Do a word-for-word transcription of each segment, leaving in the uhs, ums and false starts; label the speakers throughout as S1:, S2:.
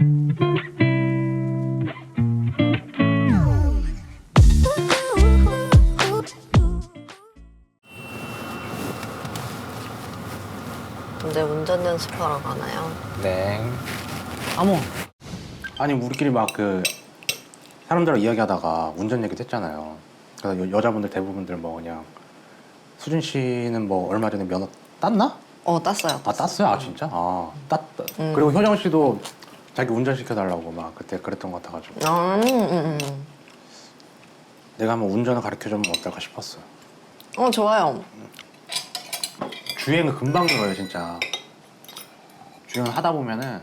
S1: 이제 운전 연습하러 가나요?
S2: 네.
S3: 어머.
S2: 아니 우리끼리 막 그 사람들하고 이야기하다가 운전 얘기도 했잖아요. 그래서 여, 여자분들 대부분들 뭐 그냥 수진 씨는 뭐 얼마 전에 면허 땄나?
S1: 어, 땄어요.
S2: 아 땄어요? 아 진짜? 아 땄.
S1: 음.
S2: 그리고 효정 씨도 자기 운전 시켜달라고 막 그때 그랬던 것 같아가지고
S1: 음, 음, 음.
S2: 내가 한번 운전을 가르쳐주면 어떨까 싶었어요.
S1: 어, 좋아요.
S2: 주행은 금방 늘어요 진짜. 주행을 하다 보면은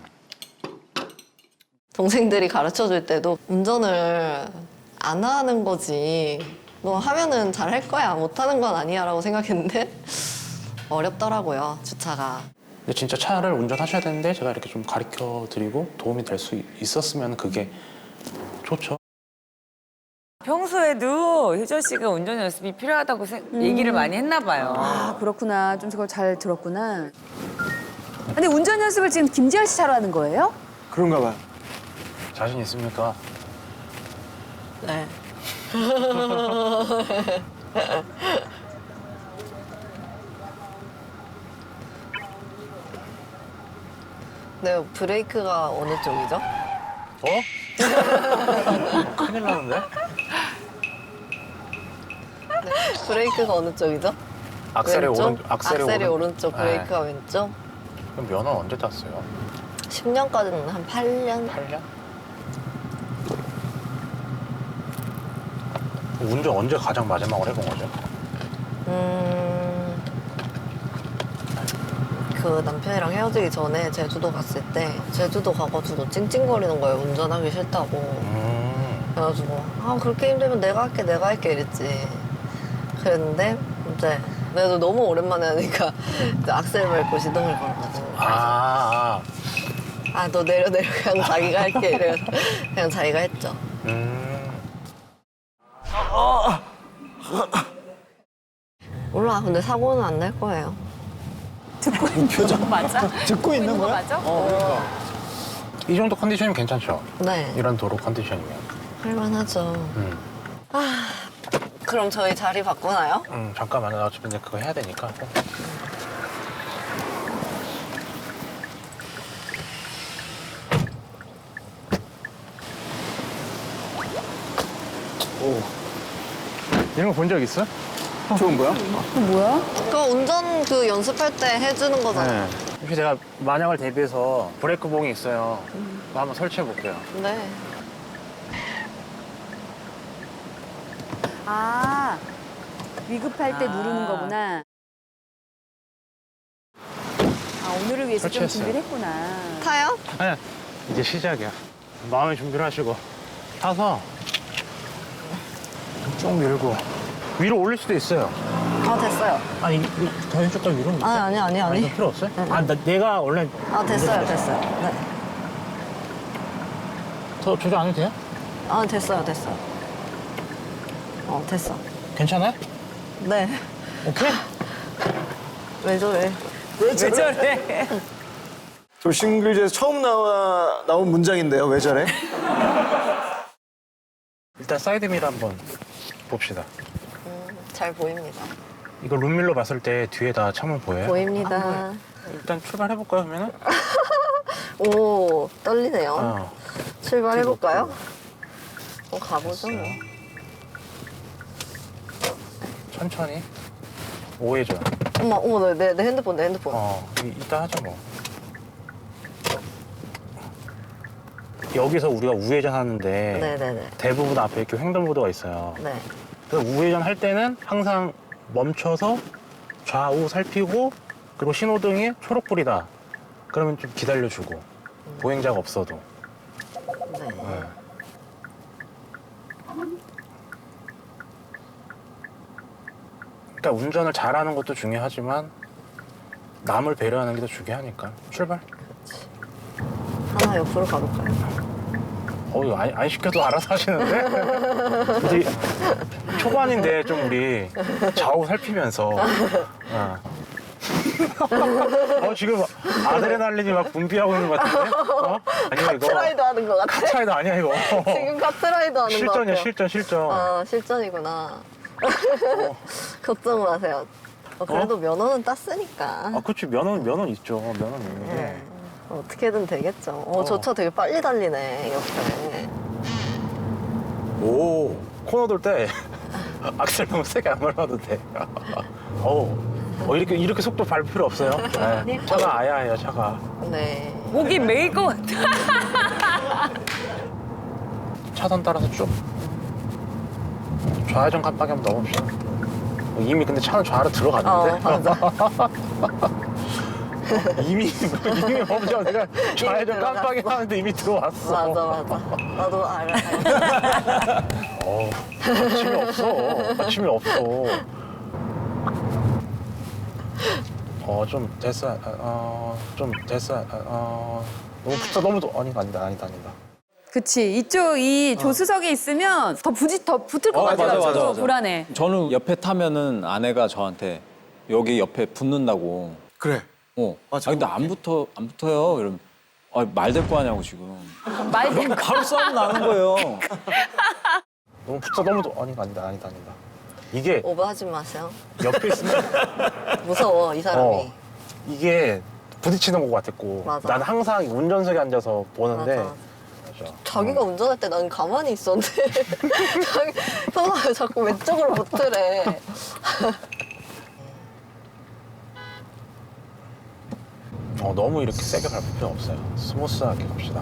S1: 동생들이 가르쳐 줄 때도 운전을 안 하는 거지. 너 하면은 잘 할 거야. 못 하는 건 아니야. 라고 생각했는데 어렵더라고요, 주차가.
S2: 근데 진짜 차를 운전하셔야 되는데 제가 이렇게 좀 가르쳐 드리고 도움이 될 수 있었으면 그게 좋죠.
S4: 평소에도 효정 씨가 운전 연습이 필요하다고 세- 얘기를 많이 했나 봐요.
S5: 아, 그렇구나. 좀 그걸 잘 들었구나. 근데 운전 연습을 지금 김지현 씨 차로 하는 거예요?
S6: 그런가 봐요.
S2: 자신 있습니까?
S1: 네. 네, 브레이크가 어느 쪽이죠?
S2: 어? 큰일 나는데?
S1: 브레이크가 어느 쪽이죠?
S2: 악셀이
S1: 왼쪽?
S2: 오른 악셀이,
S1: 악셀이
S2: 오른...
S1: 오른쪽, 브레이크가 왼쪽.
S2: 그럼 면허 언제 땄어요?
S1: 십 년까지는 한 팔 년?
S2: 팔 년? 운전 언제 가장 마지막으로 해본 거죠?
S1: 음... 그 남편이랑 헤어지기 전에 제주도 갔을 때 제주도 가가지고 찡찡거리는 거예요. 운전하기 싫다고.
S2: 음...
S1: 그래가지고 아 그렇게 힘들면 내가 할게 내가 할게 이랬지. 그랬는데 이제 내가 너무 오랜만에 하니까 이제 악셀 밟고 시동을 걸어가지고
S2: 아, 아.
S1: 아 너 내려 내려 그냥 자기가 할게 이래서 그냥 자기가 했죠.
S2: 음...
S1: 몰라 근데 사고는 안 날 거예요.
S5: 표정 맞아?
S6: 듣고 있는 거야?
S5: 맞아?
S2: 이 정도 컨디션이면 괜찮죠?
S1: 네
S2: 이런 도로 컨디션이면.
S1: 할만하죠.
S2: 음.
S1: 아 그럼 저희 자리 바꾸나요?
S2: 음, 잠깐만요. 나 어차피 이제 그거 해야 되니까.
S6: 오,
S2: 이런 거 본 적 있어?
S6: 좋은 거야?
S5: 그 뭐야?
S1: 그거 운전 그 연습할 때 해주는 거잖아요.
S2: 네. 혹시 제가 만약을 대비해서 브레이크 봉이 있어요. 그거 한번 설치해 볼게요.
S1: 네.
S5: 아, 위급할 때
S4: 아.
S5: 누르는 거구나. 아, 오늘을 위해서 좀
S2: 설치했어요.
S5: 준비를 했구나.
S1: 타요?
S2: 네. 이제 시작이야. 마음의 준비를 하시고 타서 쭉 밀고 위로 올릴 수도 있어요.
S1: 아 됐어요.
S2: 아니 더 왼쪽까지 위로.
S1: 아니 아니 아니 아니.
S2: 이거 필요 없어요? 아, 나, 내가 원래
S1: 아 됐어요 됐어요. 네.
S2: 더 조절 안 해도 돼요?
S1: 아 됐어요 됐어요. 어 됐어.
S2: 괜찮아요?
S1: 네.
S2: 오케이?
S1: 왜 저래?
S4: 왜 저래?
S6: 저 싱글즈에서 처음 나와, 나온 문장인데요. 왜 저래?
S2: 일단 사이드미러 한번 봅시다.
S1: 음, 잘 보입니다.
S2: 이거 룸밀러 봤을 때 뒤에 다 창문 보여요?
S1: 보입니다.
S2: 일단 출발해볼까요, 그러면은?
S1: 오 떨리네요.
S2: 어.
S1: 출발해 볼까요? 어 가보죠 뭐.
S2: 천천히. 오해죠.
S1: 어머 어머 내, 내 핸드폰 내 핸드폰.
S2: 어, 이, 이따 하죠, 뭐. 여기서 우리가 우회전 하는데
S1: 네네네.
S2: 대부분 앞에 이렇게 횡단보도가 있어요.
S1: 네.
S2: 그래서 우회전 할 때는 항상 멈춰서 좌우 살피고 그리고 신호등이 초록불이다. 그러면 좀 기다려주고 보행자가 없어도.
S1: 네.
S2: 네. 일단 운전을 잘하는 것도 중요하지만 남을 배려하는 게 더 중요하니까 출발.
S1: 하나 옆으로 가볼까요?
S2: 어, 이거 안, 안 시켜도 알아서 하시는데? 이제 초반인데 좀 우리 좌우 살피면서. 어. 어 지금 아드레날린이 막 분비하고 있는 것 같은데? 어? 아니야 이거.
S1: 카트라이더 하는 것 같아.
S2: 카트라이더 아니야 이거.
S1: 지금 카트라이더 하는 것
S2: 실전이야
S1: 같아요.
S2: 실전 실전.
S1: 아, 실전이구나. 걱정 마세요. 어, 그래도 면허는 땄으니까.
S2: 아 그치 면허 면허 있죠 면허 있는데.
S1: 네. 어떻게든 되겠죠. 어,
S2: 어.
S1: 저 차 되게 빨리 달리네, 옆에.
S2: 오 코너 돌 때 악셀 너무 세게 안 밟아도 돼. 어, 어 이렇게 이렇게 속도 밟을 필요 없어요. 네. 차가 아야해요 차가.
S1: 네.
S4: 목이 메일 것 같아.
S2: 차선 따라서 쭉 좌회전 깜빡이 한번 넣어봅시다. 이미 근데 차는 좌로 들어갔는데.
S1: 어, 맞아.
S2: 이미 이미 먼저 내가 좌회전 깜빡이 하는데 이미 들어왔어.
S1: 맞아, 맞아. 나도 알아.
S2: 어, 마침이 없어. 마침이 없어. 어, 좀 됐어. 어, 좀 됐어. 어, 너무 붙어 너무 더 아니 아니다 아니다 아니다.
S5: 그치. 이쪽 이 조수석에 있으면 더 부지 더 붙을 것
S3: 어, 맞아,
S5: 같아가지고
S3: 맞아, 맞아.
S5: 불안해.
S3: 저는 옆에 타면은 아내가 저한테 여기 옆에 붙는다고.
S6: 그래.
S3: 어.
S6: 맞아.
S3: 아 근데 안 붙어 안 붙어요. 이러면 아, 말 될 거 하냐고 지금.
S5: 말 대-
S3: 바로 싸움 나는 거예요.
S2: 너무 붙어 너무 더 아니 아니다 아니다 아니다. 이게
S1: 오버하지 마세요.
S2: 옆에 있으면
S1: 무서워, 이 사람이.
S2: 어, 이게 부딪히는 것 같았고
S1: 맞아.
S2: 난 항상 운전석에 앉아서 보는데
S1: 맞아.
S2: 맞아.
S1: 자기가 운전할 때 난 가만히 있었는데 자기 형아 왜 자꾸 왼쪽으로 붙으래.
S2: 어, 너무 이렇게 세게 밟을 필요 없어요. 스무스하게 갑시다.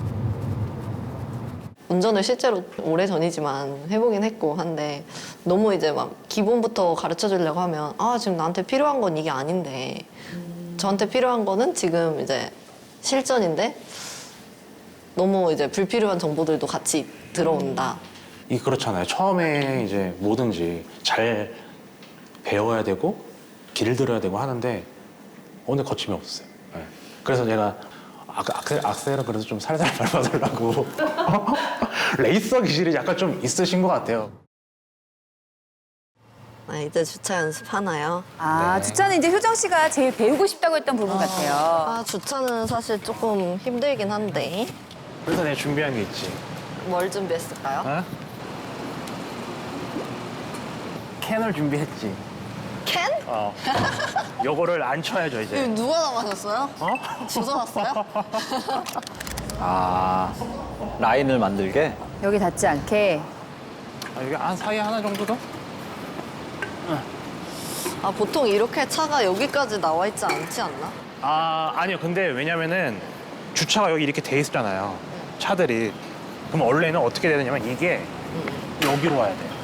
S1: 운전을 실제로 오래 전이지만 해보긴 했고 한데 너무 이제 막 기본부터 가르쳐 주려고 하면 아 지금 나한테 필요한 건 이게 아닌데 저한테 필요한 거는 지금 이제 실전인데 너무 이제 불필요한 정보들도 같이 들어온다.
S2: 이 그렇잖아요. 처음에 이제 뭐든지 잘 배워야 되고 길들여야 되고 하는데 오늘 거침이 없었어요. 네. 그래서 제가 아, 악셀, 악셀은 그래서 좀 살살 밟아달라고. 레이서 기질이 약간 좀 있으신 것 같아요.
S1: 아, 이제 주차 연습하나요?
S5: 아
S2: 네.
S5: 주차는 이제 효정 씨가 제일 배우고 싶다고 했던 부분 같아요.
S1: 아 주차는 사실 조금 힘들긴 한데
S2: 그래서 내가 준비한 게 있지.
S1: 뭘 준비했을까요?
S2: 어? 캔을 준비했지.
S1: 캔?
S2: 어. 요거를 안 쳐야죠
S1: 이거
S2: 이제.
S1: 누가 남아셨어요?
S2: 어?
S1: 주워왔어요?
S3: 아 라인을 만들게.
S5: 여기 닿지 않게.
S2: 아, 여기 한 사이에 하나 정도 더?
S1: 아 보통 이렇게 차가 여기까지 나와 있지 않지 않나?
S2: 아 아니요. 근데 왜냐면은 주차가 여기 이렇게 돼 있잖아요. 차들이. 그럼 원래는 어떻게 돼야 되냐면 이게 여기로 와야 돼요.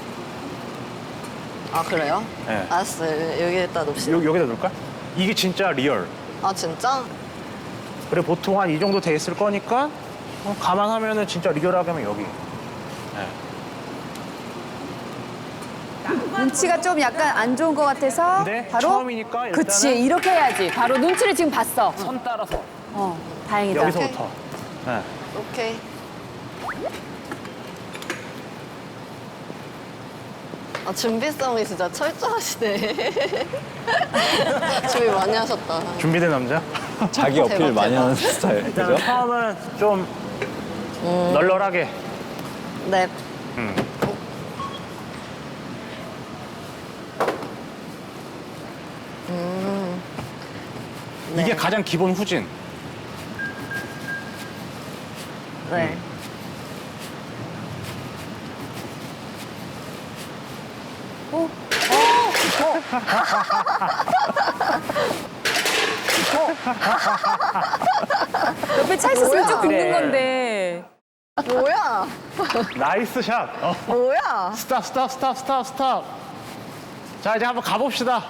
S1: 아 그래요?
S2: 네.
S1: 알았어요. 여기에다 놓읍시다.
S2: 여, 여기다 놓을까? 이게 진짜 리얼.
S1: 아 진짜?
S2: 그래 보통 한 이 정도 돼 있을 거니까 어, 감안하면은 진짜 리얼하게 하면 여기. 네.
S5: 눈치가 좀 약간 안 좋은 것 같아서
S2: 근데
S5: 바로
S2: 처음이니까 일단은
S5: 그치 이렇게 해야지. 바로 눈치를 지금 봤어.
S2: 선 따라서
S5: 어 다행이다.
S2: 여기서부터. 네.
S1: 오케이. 아 준비성이 진짜 철저하시네. 준비 많이 하셨다.
S2: 준비된 남자?
S3: 자기 어필
S1: 대박,
S3: 많이
S1: 대박.
S3: 하는 스타일.
S2: 일단
S3: 그죠?
S2: 처음은 좀 널널하게.
S1: 네.
S2: 음.
S1: 음. 네.
S2: 이게 가장 기본 후진.
S1: 네.
S5: 옆에 차 있었으면
S1: 뭐야?
S5: 쭉 긁는
S2: 그래.
S5: 건데.
S1: 뭐야?
S2: 나이스 샷. 어.
S1: 뭐야?
S2: 스탑 스탑 스탑 스탑 스탑. 자 이제 한번 가봅시다.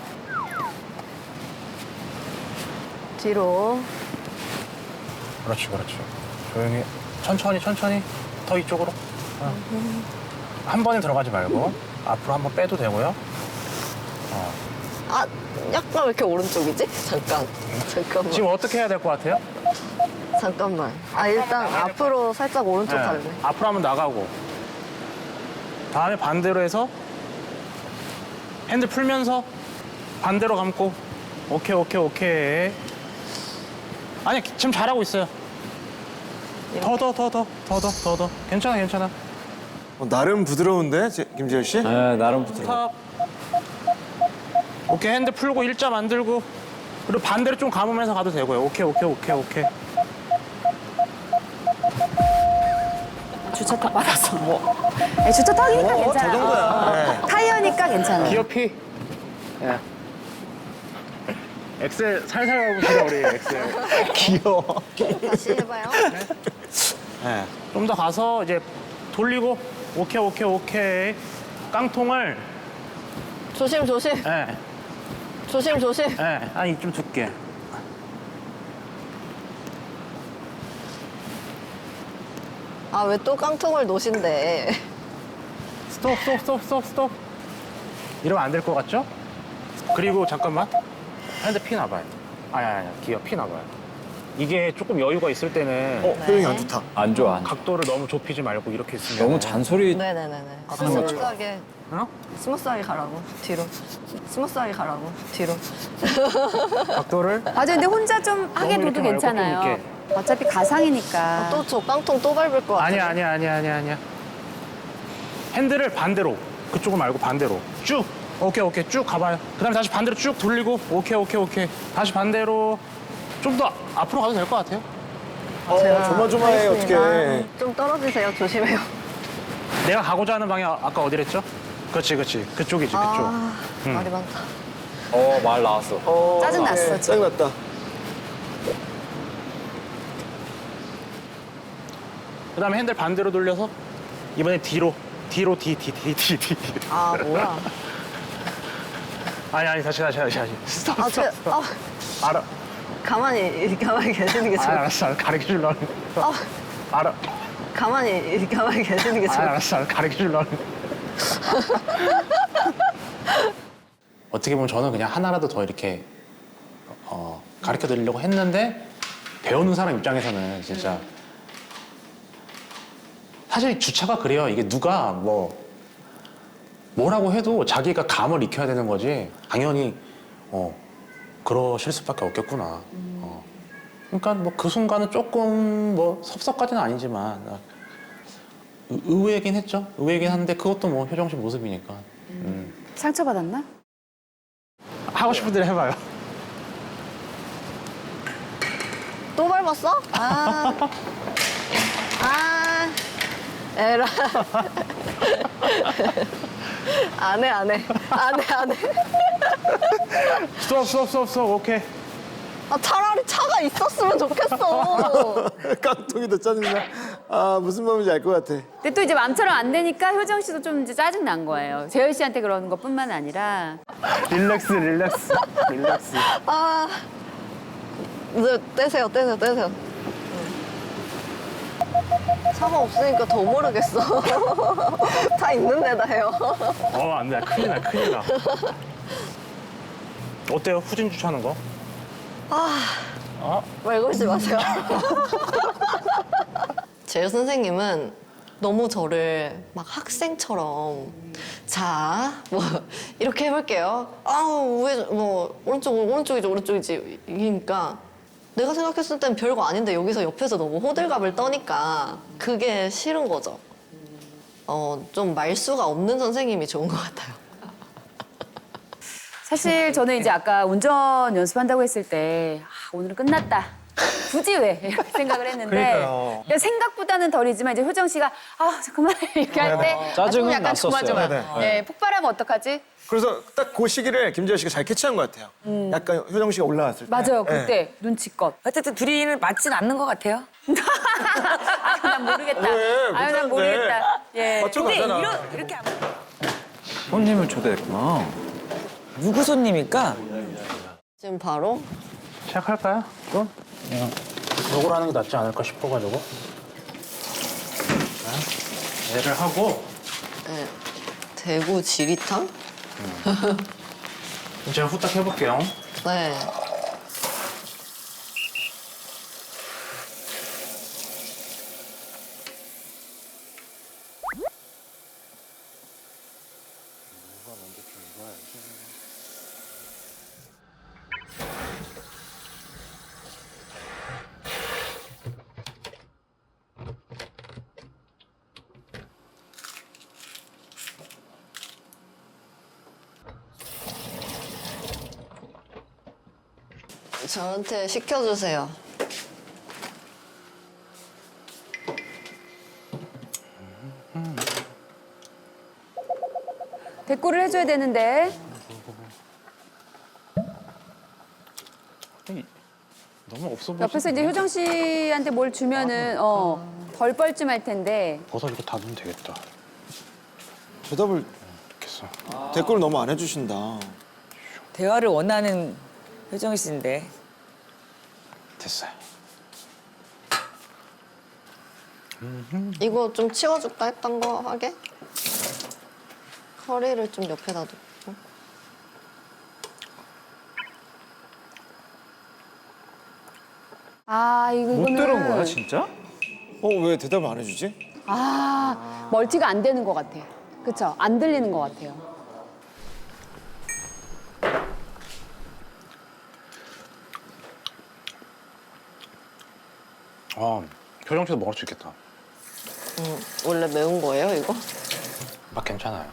S1: 뒤로.
S2: 그렇지 그렇지. 조용히 천천히 천천히 더 이쪽으로. 어. 한 번에 들어가지 말고 앞으로 한번 빼도 되고요.
S1: 아 약간 왜 이렇게 오른쪽이지? 잠깐. 잠깐만.
S2: 지금 어떻게 해야 될 것 같아요?
S1: 잠깐만. 아 일단 앞으로 살짝 오른쪽
S2: 네.
S1: 갈래.
S2: 앞으로 한번 나가고 다음에 반대로 해서 핸들 풀면서 반대로 감고 오케이, 오케이, 오케이. 아니, 지금 잘하고 있어요. 더, 더, 더, 더, 더, 더, 더, 더. 괜찮아, 괜찮아.
S6: 어, 나름 부드러운데, 제- 김재열 씨?
S3: 네, 나름 부드러워.
S2: 스탑. 오케이, 핸드 풀고 일자 만들고. 그리고 반대로 좀 감으면서 가도 되고요. 오케이, 오케이, 오케이, 오케이.
S5: 주차 턱 받았어. 뭐. 네, 주차 턱이니까
S6: 어,
S5: 괜찮아.
S6: 저 정도야.
S5: 어, 어.
S6: 네.
S5: 타이어니까 괜찮아.
S2: 기어 피. 예. 엑셀 살살 가보시다 우리 엑셀.
S6: 귀여워.
S1: 다시 해봐요.
S2: 예. 좀 더 가서 이제 돌리고 오케이 오케이 오케이. 깡통을
S1: 조심 조심
S2: 예.
S1: 조심 조심.
S2: 예. 아니 좀 두께.
S1: 아 왜 또 깡통을 놓으신대.
S2: 스톱 스톱 스톱 스톱 스톱. 이러면 안 될 것 같죠? 그리고 잠깐만. 핸드 피 나봐요. 아니 아니 아니 기어 피 나봐요. 이게 조금 여유가 있을 때는
S6: 어, 표정이 안 좋다.
S3: 안 좋아. 안 좋아.
S2: 각도를 너무 좁히지 말고 이렇게 있으면
S3: 너무 잔소리.
S1: 네네네네.
S3: 하는 것처럼.
S1: 스무스하게
S2: 어?
S1: 스무스하게 가라고 뒤로. 스무스하게 가라고 뒤로.
S2: 각도를
S5: 맞아, 근데 혼자 좀 하게
S2: 너무
S5: 둬도
S2: 이렇게 말고 좀
S5: 괜찮아요.
S2: 이렇게.
S5: 어차피 가상이니까.
S1: 또 저 깡통 또 밟을 것 같아.
S2: 아니야 아니야 아니야 아니야 아니야. 핸들을 반대로 그쪽을 말고 반대로 쭉 오케이 오케이 쭉 가봐요. 그다음에 다시 반대로 쭉 돌리고 오케이 오케이 오케이 다시 반대로 좀 더 앞으로 가도 될 것 같아요.
S6: 어, 조마조마해, 어떡해.
S1: 좀 떨어지세요. 조심해요.
S2: 내가 가고자 하는 방향 아까 어디랬죠? 그렇지 그렇지 그쪽이지 그쪽.
S1: 아
S2: 음.
S1: 말이 많다.
S3: 어, 말 나왔어.
S6: 어,
S5: 짜증났어,
S6: 네,
S5: 지금.
S6: 짜증났다.
S2: 그다음에 핸들 반대로 돌려서 이번에 뒤로 뒤로 뒤뒤뒤뒤 뒤.
S1: 아 뭐야?
S2: 아니 아니 다시 다시 다시 다시 스톱
S1: 아
S2: 스톱
S1: 제,
S2: 스톱.
S1: 아
S2: 알아.
S1: 가만히 가만히 계시는 게
S2: 아,
S1: 좋을 것
S2: 알았어 알았어 가르쳐 주려고.
S1: 아
S2: 알아.
S1: 가만히 가만히 계시는 게
S2: 아,
S1: 좋을 것
S2: 알았어 알았어 가르쳐 주려고. 어떻게 보면 저는 그냥 하나라도 더 이렇게 어, 가르쳐 드리려고 했는데 배우는 사람 입장에서는 진짜 사실 주차가 그래요. 이게 누가 뭐 뭐라고 해도 자기가 감을 익혀야 되는 거지. 당연히 어, 그러실 수밖에 없겠구나. 어. 그러니까 뭐 그 순간은 조금 뭐 섭섭까지는 아니지만 의- 의외긴 했죠. 의외긴 한데 그것도 뭐 효정 씨 모습이니까. 음.
S5: 상처받았나?
S2: 하고 싶은 대로 해봐요.
S1: 또 밟았어? 아, 아, 에라. 안 해, 안 해. 안 해, 안 해.
S2: 스톱 스톱 스톱 스톱 오케이.
S1: 아, 차라리 차가 있었으면 좋겠어.
S6: 깡통이 더 짜증나. 아, 무슨 마음인지 알 것 같아.
S5: 근데 또 이제 마음처럼 안 되니까 효정 씨도 좀 이제 짜증 난 거예요. 재열 씨한테 그러는 것뿐만 아니라.
S2: 릴렉스 릴렉스 릴렉스.
S1: 아, 이제 떼세요, 떼세요, 떼세요. 차가 없으니까 더 모르겠어. 차 있는 데다 해요.
S2: 어 안돼 큰일 나 큰일 나. 어때요 후진 주차하는 거?
S1: 말 걸지 마세요. 재유 선생님은 너무 저를 막 학생처럼 자, 뭐 이렇게 해볼게요. 아우 왜 뭐 오른쪽 오른쪽이지 오른쪽이지 이니까 내가 생각했을 땐 별거 아닌데 여기서 옆에서 너무 호들갑을 떠니까 그게 싫은 거죠. 어, 좀 말수가 없는 선생님이 좋은 것 같아요.
S5: 사실 저는 이제 아까 운전 연습한다고 했을 때 아, 오늘은 끝났다. 굳이 왜? 이렇게 생각을 했는데
S6: 그러니까요.
S5: 그러니까 생각보다는 덜이지만 이제 효정 씨가 아 그만 이렇게 할 때 아, 좀
S3: 짜증은
S5: 약간
S3: 났었어요.
S5: 조마조마.
S6: 네네.
S5: 네, 폭발하면 어떡하지?
S6: 그래서 딱 그 시기를 김재열 씨가 잘 캐치한 것 같아요. 약간 효정 씨가 올라왔을 때.
S5: 맞아요,
S6: 네.
S5: 그때 눈치껏.
S4: 어쨌든 둘이는 맞진 않는 것 같아요.
S5: 아유 난 모르겠다.
S6: 왜?
S5: 아유 난
S6: 괜찮은데.
S5: 모르겠다. 예.
S6: 맞춰
S4: 근데
S6: 가잖아.
S4: 이런, 이렇게 안...
S3: 손님을 초대했구나.
S4: 누구 손님일까?
S1: 지금 바로
S2: 시작할까요? 좀? 그냥 이걸 하는 게 낫지 않을까 싶어가지고. 자, 얘를 하고
S1: 네, 대구 지리탕?
S2: 제가 후딱 해볼게요.
S1: 네. 저한테 시켜주세요.
S5: 대꾸를 해줘야 되는데.
S2: 너무 없어 보이지?
S5: 옆에서 이제 효정 씨한테 뭘 주면은 어, 덜 뻘쭘할 텐데.
S2: 버섯 이거 다 넣으면 되겠다.
S6: 대답을
S2: 됐어.
S6: 댓글을 너무 안 해주신다.
S4: 대화를 원하는 효정 씨인데.
S2: 됐어요.
S1: 이거 좀 치워줄까 했던 거 하게? 커리를 좀 옆에다 놓고.
S5: 아 이거
S3: 못
S5: 이거는
S3: 들은 거야 진짜?
S6: 어, 왜 대답을 안 해주지?
S5: 아 멀티가 안 되는 것 같아. 그쵸? 안 들리는 것 같아요.
S2: 아, 효정 씨도 먹을 수 있겠다.
S1: 음, 원래 매운 거예요, 이거?
S2: 맛 괜찮아요.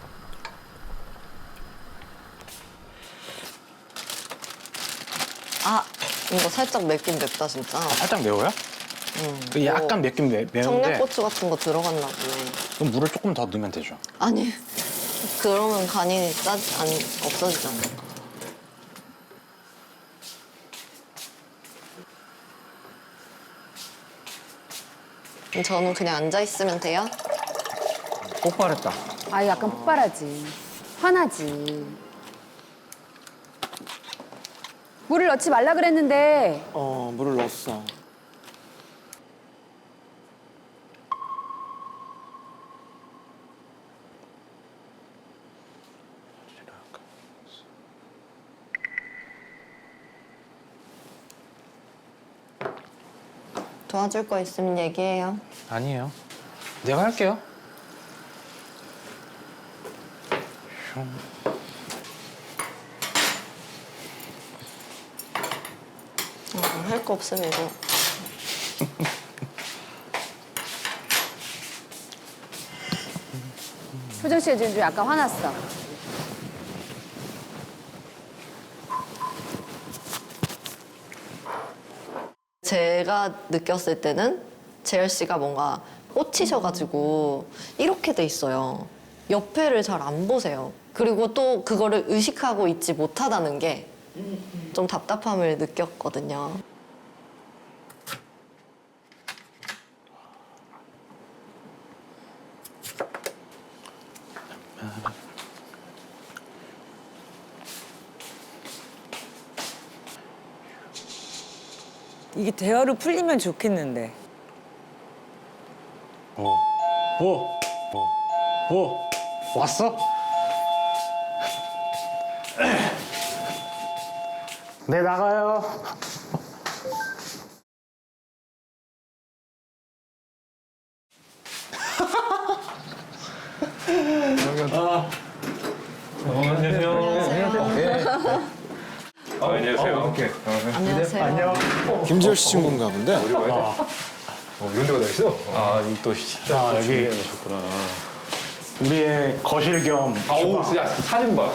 S1: 아, 이거 살짝 맵긴 맵다, 진짜.
S2: 살짝 매워요?
S1: 음,
S2: 그 약간 맵긴 매, 매운데
S1: 청양고추 같은 거 들어갔나 보네.
S2: 그럼 물을 조금 더 넣으면 되죠.
S1: 아니, 그러면 간이 짜, 안, 없어지잖아. 저는 그냥 앉아있으면 돼요?
S3: 폭발했다.
S5: 아 약간 폭발하지. 화나지. 물을 넣지 말라 그랬는데
S6: 어, 물을 넣었어.
S1: 도와줄 거 있으면 얘기해요.
S2: 아니에요. 내가 할게요.
S1: 어, 할 거 없으면 이거.
S5: 효정 씨가 지금 좀 약간 화났어.
S1: 제가 느꼈을 때는 재열 씨가 뭔가 꽂히셔가지고 이렇게 돼 있어요. 옆에를 잘 안 보세요. 그리고 또 그거를 의식하고 있지 못하다는 게 좀 답답함을 느꼈거든요.
S4: 이게 대화로 풀리면 좋겠는데.
S2: 오, 오, 오, 오, 왔어? 네, 나가요.
S1: 안녕하세요.
S6: 김지열 씨 친구인가 본데?
S2: 자, 여기 우리의 거실 겸
S7: 아우 진짜 사진 봐.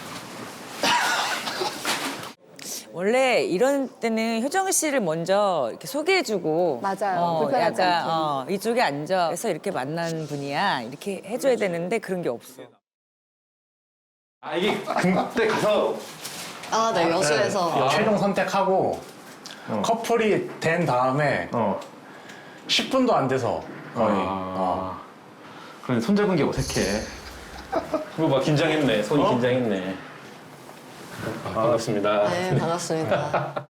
S4: 원래 이런 때는 효정 씨를 먼저 이렇게 소개해주고
S5: 맞아요.
S4: 어,
S5: 불편하지
S4: 약간
S5: 않게.
S4: 어, 이쪽에 앉아서 이렇게 만난 분이야 이렇게 해줘야 되는데 그런 게 없어.
S7: 아 이게 그때 가서
S1: 아, 네, 여수에서.
S2: 최종 선택하고 커플이 된 다음에
S7: 어.
S2: 십 분도 안 돼서 거의
S7: 아. 그런데 손잡은 게 어색해. 이거 봐 긴장했네. 손이 긴장했네. 아, 반갑습니다.
S1: 네, 반갑습니다.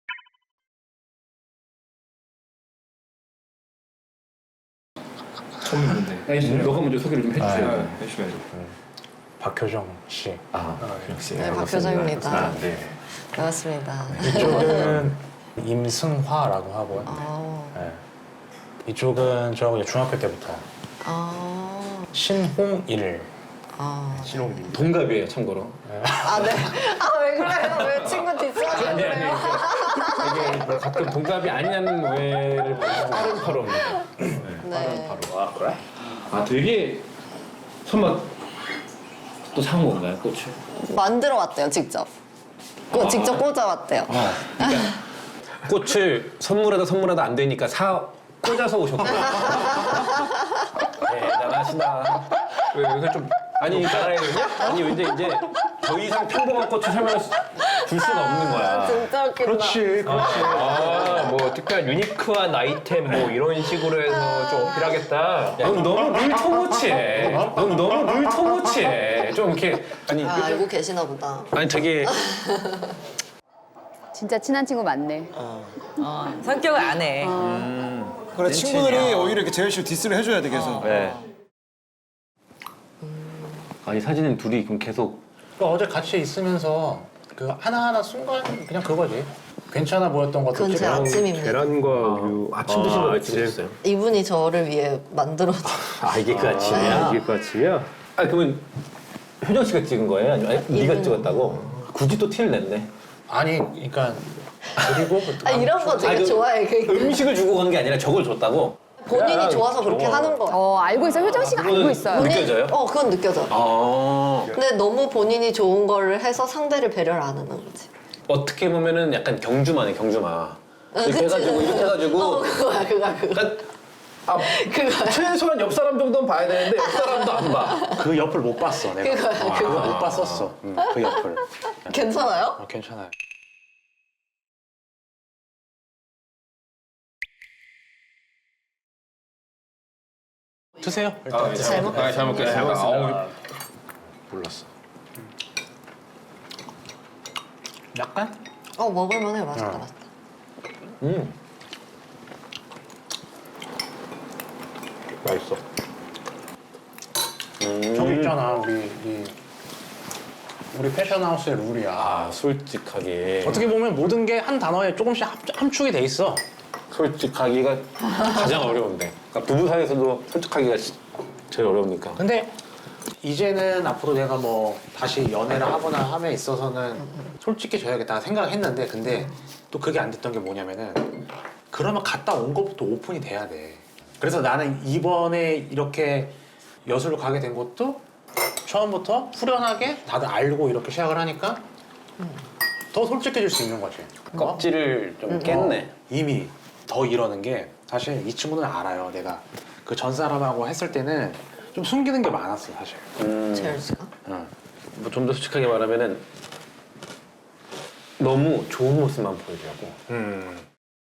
S7: 처음 봤는데. 아니, 너가 먼저 소개를 좀 해주세요. 해주셔야죠.
S2: 박효정 씨.
S7: 아, 역시.
S1: 네, 박효정입니다.
S7: 아, 네.
S1: 반갑습니다.
S2: 이쪽은 임승화라고 하고요.
S1: 아,
S2: 네. 이쪽은 저하고 이제 중학교 때부터
S1: 아,
S2: 신홍일.
S1: 아.
S7: 신홍님. 동갑이에요, 참고로.
S1: 아, 네. 아, 왜 그래요? 왜 친구 뒷사람을
S7: 아니, 아니.
S1: 그래요?
S7: 이게 뭐 가끔 동갑이 아니냐는 오해를 받는 빠른 파로입니다.
S1: 네.
S7: 바로. 아, 그래? 아, 되게 설마 또 사온 건가요, 꽃을?
S1: 만들어 왔대요, 직접. 그거 직접 꽂아왔대요.
S7: 어, 그러니까 꽃을 선물하다 선물하다 안 되니까 사 꽂아서 오셨구나. 대단하시다. 왜 여기서 좀 아니 그러니까 아니 이제 이제 더 이상 평범한 꽃을 설명할 수- 줄 수가 없는 거야.
S1: 진짜 웃긴다.
S6: 그렇지, 그렇지.
S8: 아, 뭐 특별 유니크한 아이템 뭐 이런 식으로 해서 좀 어필하겠다.
S7: 넌 너무 물통무치해. 넌 너무 물통무치해. 좀 이렇게 아니
S1: 아, 알고 계시나 보다.
S7: 아니 되게
S5: 진짜 친한 친구 많네.
S4: 어, 성격을 안 해.
S6: 그래, 친구들이 오히려 이렇게 재열 씨를 디스를 해줘야 돼, 계속.
S3: 네.
S7: 아니 사진은 둘이 그럼 계속
S2: 그러니까 어제 같이 있으면서 그 하나하나 순간 그냥 그거지. 괜찮아 보였던 것도
S1: 그건 제
S2: 찍고.
S1: 아침입니다.
S8: 계란과 우유.
S7: 아침 드시는 거 왜 찍으셨어요?
S1: 이분이 저를 위해 만들어준.
S7: 아 이게 그 아침이야?
S8: 이게 그 아침이야?
S7: 아 그러면 효정 씨가 찍은 거예요? 아니면 아니, 네가 찍었다고? 굳이 또 티를 냈네.
S2: 아니, 그러니까 그리고 그
S1: 아, 이런 거 되게
S7: 아니, 그
S1: 좋아해. 그
S7: 음식을 주고 간 게 아니라 저걸 줬다고?
S1: 본인이 좋아서 그렇게 하는 거야.
S5: 어, 알고 있어요. 효정 씨가 알고
S7: 그거는
S5: 있어요.
S7: 본인- 느껴져요?
S1: 어, 그건 느껴져.
S7: 아
S1: 근데 너무 본인이 좋은 거를 해서 상대를 배려를 안 하는 거지.
S7: 어떻게 보면은 약간 경주마네 경주마. 이렇게
S1: 그치?
S7: 해가지고 이렇게 해가지고
S1: 어, 그거야, 그거야, 그거.
S7: 그러니까 아,
S1: 그거야.
S7: 최소한 옆 사람 정도는 봐야 되는데 옆 사람도 안 봐.
S2: 그 옆을 못 봤어, 내가.
S1: 그거야,
S2: 아,
S1: 그거.
S2: 못 봤었어. 응, 그 옆을.
S1: 괜찮아요?
S2: 어, 괜찮아요. 드세요. 일단.
S1: 잘 먹
S8: 아, 잘 먹겠습니다. 아우,
S2: 몰랐어. 약간?
S1: 어, 먹을만해. 맛있다, 맛있다.
S7: 음 맛있어. 음.
S2: 저기 있잖아, 우리 이 우리 패션하우스의 룰이야.
S7: 아 솔직하게
S2: 어떻게 보면 모든 게 한 단어에 조금씩 합, 함축이 돼 있어.
S7: 솔직하기가 가장 어려운데. 그러니까 부부 사이에서도 솔직하기가 시- 제일 어려우니까.
S2: 근데 이제는 앞으로 내가 뭐 다시 연애를 하거나 함에 있어서는 솔직해져야겠다 생각을 했는데, 근데 또 그게 안 됐던 게 뭐냐면은 그러면 갔다 온 것부터 오픈이 돼야 돼. 그래서 나는 이번에 이렇게 여수를 가게 된 것도 처음부터 후련하게 다들 알고 이렇게 시작을 하니까 더 솔직해질 수 있는 거지. 어?
S7: 껍질을 좀 깼네.
S2: 어, 이미 더 이러는 게 사실 이 친구는 알아요. 내가 그 전 사람하고 했을 때는 좀 숨기는 게 많았어, 사실.
S7: 음,
S1: 재열 씨가?
S2: 응.
S7: 뭐 좀 더 솔직하게 말하면은 너무 좋은 모습만 보여주려고.
S2: 음.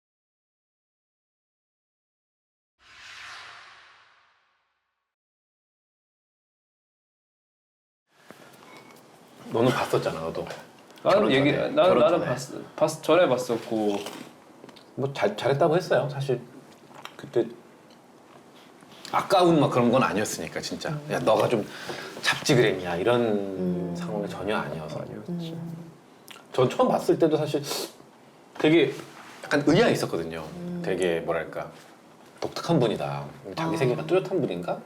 S7: 너는 봤었잖아, 너도.
S8: 나는
S7: 결혼
S8: 얘기
S7: 전에,
S8: 나는
S7: 결혼
S8: 나는
S7: 전에.
S8: 봤, 봤 전에 봤었고
S7: 뭐 잘 잘했다고 했어요. 사실 그때 아까운 막 그런 건 아니었으니까 진짜. 야 너가 좀 잡지 그랬냐 이런 상황이 전혀 아니어서. 전 처음 봤을 때도 사실 되게 약간 의아해 있었거든요. 되게 뭐랄까 독특한 분이다. 자기 세계가 뚜렷한 분인가?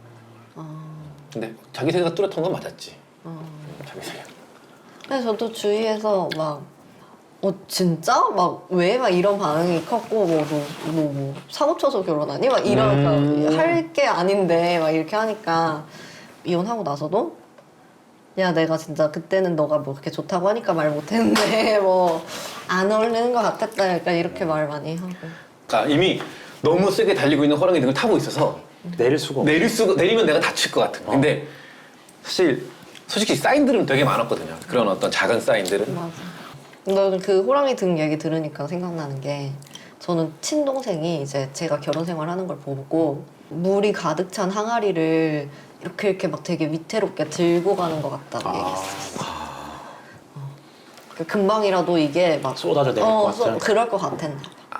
S7: 근데 자기 세계가 뚜렷한 건 맞았지. 자기 세계.
S1: 근데 저도 주위에서 막, 어, 진짜? 막, 왜? 막 이런 반응이 컸고, 뭐, 너, 너 뭐, 사고 쳐서 결혼하니? 막 이런,
S7: 음.
S1: 할 게 아닌데, 막 이렇게 하니까, 이혼하고 나서도, 야, 내가 진짜 그때는 너가 뭐 그렇게 좋다고 하니까 말 못했는데, 뭐, 안 어울리는 것 같았다. 약간 이렇게 말 많이 하고.
S7: 그러니까 이미 너무 세게 달리고 있는 호랑이 등을 타고 있어서
S2: 내릴 수가 없어.
S7: 내릴 수가 내리면 내가 다칠 것 같은. 근데 사실 솔직히 사인들은 되게 많았거든요. 그런 어떤 작은 사인들은.
S1: 맞아. 나는 그 호랑이 등 얘기 들으니까 생각나는 게, 저는 친동생이 이제 제가 결혼 생활하는 걸 보고 물이 가득 찬 항아리를 이렇게 이렇게 막 되게 위태롭게 들고 가는 것 같다고 얘기했어. 어. 그 금방이라도 이게 막
S2: 쏟아져 내릴
S1: 어,
S2: 것 같은.
S1: 소- 그럴 것 같았나 봐.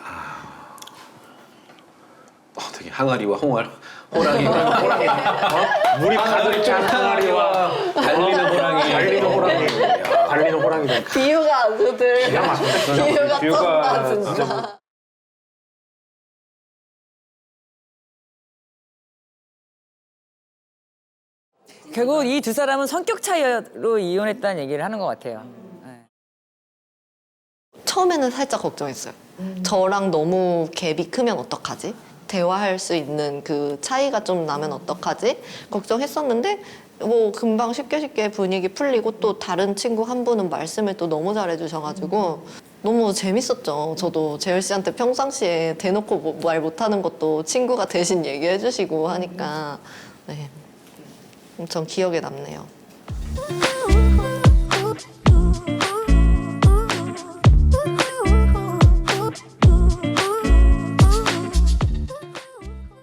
S7: 어, 되게 항아리와 홍알, 호랑이,
S2: 호랑이. 어? 물이 가득 찬 항아리와
S7: 달리는 호랑이,
S2: 달리는 호랑이.
S7: 야.
S2: 달리는 호랑이들.
S1: 비유가 아주 들
S2: 기가 막혀.
S1: 비유가
S8: 비유가
S1: 쩐다 진짜.
S4: 결국 이 두 사람은 성격 차이로 이혼했다는 얘기를 하는 것 같아요. 네.
S1: 처음에는 살짝 걱정했어요. 저랑 너무 갭이 크면 어떡하지? 대화할 수 있는 그 차이가 좀 나면 어떡하지? 걱정했었는데 뭐 금방 쉽게 쉽게 분위기 풀리고 또 다른 친구 한 분은 말씀을 또 너무 잘해주셔가지고 너무 재밌었죠. 저도 재열 씨한테 평상시에 대놓고 뭐 말 못하는 것도 친구가 대신 얘기해주시고 하니까 네, 엄청 기억에 남네요.